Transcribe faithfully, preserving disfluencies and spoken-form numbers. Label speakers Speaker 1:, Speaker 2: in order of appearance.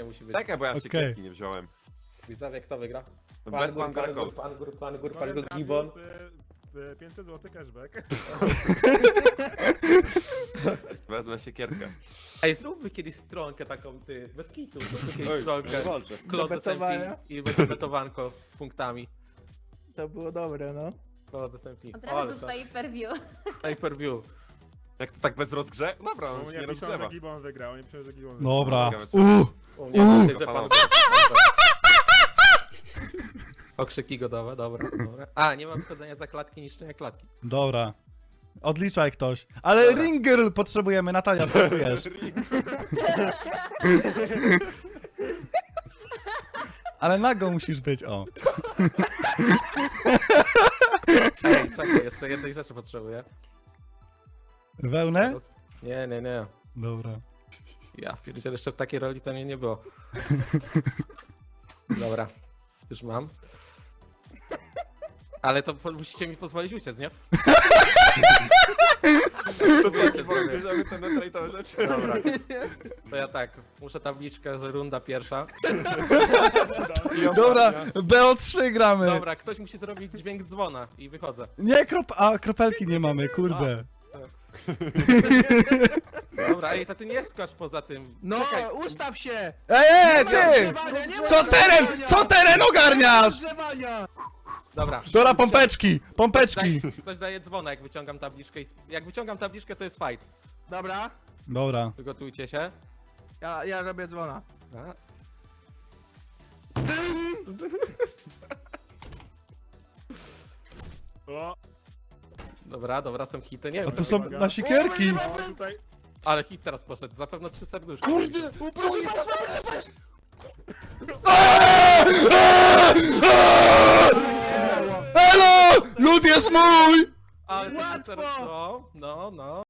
Speaker 1: musi być.
Speaker 2: Czekaj, bo ja
Speaker 3: Okej.
Speaker 2: siekierki nie wziąłem.
Speaker 1: Widzowie, kto wygra?
Speaker 2: Batman Grakol.
Speaker 1: Pan Gur, Pan Gur, Pan
Speaker 4: Powiem
Speaker 1: Gur, Gibbon.
Speaker 4: gratis, y, pięćset złotych cashback.
Speaker 2: Wezmę siekierkę.
Speaker 1: Ej, zróbmy kiedyś stronkę taką, ty, bez kitu, zróbmy kiedyś
Speaker 2: Oj,
Speaker 1: stronkę.
Speaker 2: walczę.
Speaker 1: Klodze
Speaker 5: betowania?
Speaker 1: Sempi i będzie betowanko punktami.
Speaker 5: To było dobre, no.
Speaker 1: Klodze Sempi.
Speaker 6: Od
Speaker 1: O, ale
Speaker 6: razu
Speaker 1: to
Speaker 6: pay per view.
Speaker 1: pay per view.
Speaker 2: Jak to tak bez rozgrze? Dobra, on
Speaker 4: Oni
Speaker 2: się nie
Speaker 4: nie piszą, że
Speaker 2: rozgrzewa.
Speaker 4: Gibbon wygrał, oni piszą, że Gibbon wygrał.
Speaker 3: Dobra.
Speaker 2: Ciekawe, czy-
Speaker 3: Uuu.
Speaker 1: U mnie
Speaker 3: Uuu.
Speaker 1: myślę, że pan... Okrzyki godowe, dobra, dobra. A, nie ma wychodzenia za klatki, niszczenia klatki.
Speaker 3: Dobra. Odliczaj ktoś. Ale
Speaker 1: Dobra.
Speaker 3: ring girl potrzebujemy, Natalia, wskakujesz. Ale nago musisz być, o.
Speaker 1: Ej, czekaj, jeszcze jednej rzeczy potrzebuję.
Speaker 3: Wełnę?
Speaker 1: Teraz- Nie, nie, nie.
Speaker 3: Dobra.
Speaker 1: Ja pierdzielę, jeszcze w takiej roli to mnie nie było. Dobra, już mam. Ale to po- musicie mi pozwolić uciec, nie?
Speaker 2: To co,
Speaker 1: Wiecie,
Speaker 2: nie
Speaker 1: zrobię.
Speaker 2: bierzemy ten netrejtowe rzeczy.
Speaker 1: Dobra. To ja tak, muszę tabliczkę, że runda pierwsza.
Speaker 2: I
Speaker 3: Dobra,
Speaker 2: ostatnia.
Speaker 3: B O trzy gramy.
Speaker 1: Dobra, ktoś musi zrobić dźwięk dzwona i wychodzę.
Speaker 3: Nie, krop... A, kropelki nie mamy, kurde.
Speaker 1: Dobra, ej, to ty nie skacz poza tym.
Speaker 5: No,
Speaker 1: Czekaj,
Speaker 5: ustaw się!
Speaker 3: Ej, ej, ty!
Speaker 5: Rozgrzewania, nie ma
Speaker 3: Co teren,
Speaker 5: rozgrzewania!
Speaker 3: co teren ogarniasz?
Speaker 5: Rozgrzewania!
Speaker 1: dobra.
Speaker 3: Dobra, pompeczki, pompeczki.
Speaker 1: Daj, ktoś daje dzwona, jak wyciągam tabliczkę i... sp- Jak wyciągam tabliczkę, to jest fight.
Speaker 5: Dobra,
Speaker 3: Dobra.
Speaker 1: Przygotujcie się.
Speaker 5: ja, ja robię dzwona.
Speaker 1: A.
Speaker 4: O,
Speaker 1: Dobra, dobra, są hity, nie
Speaker 3: A
Speaker 1: wiem.
Speaker 3: tu są na sikierki.
Speaker 4: o, tutaj...
Speaker 1: Ale hit teraz poszedł, zapewne trzy serduszki.
Speaker 2: Kurde! Co jest?
Speaker 3: Elo! Lud jest mój!
Speaker 1: Ale to trzy
Speaker 5: Łatwo!
Speaker 1: serduszki. No, no, no.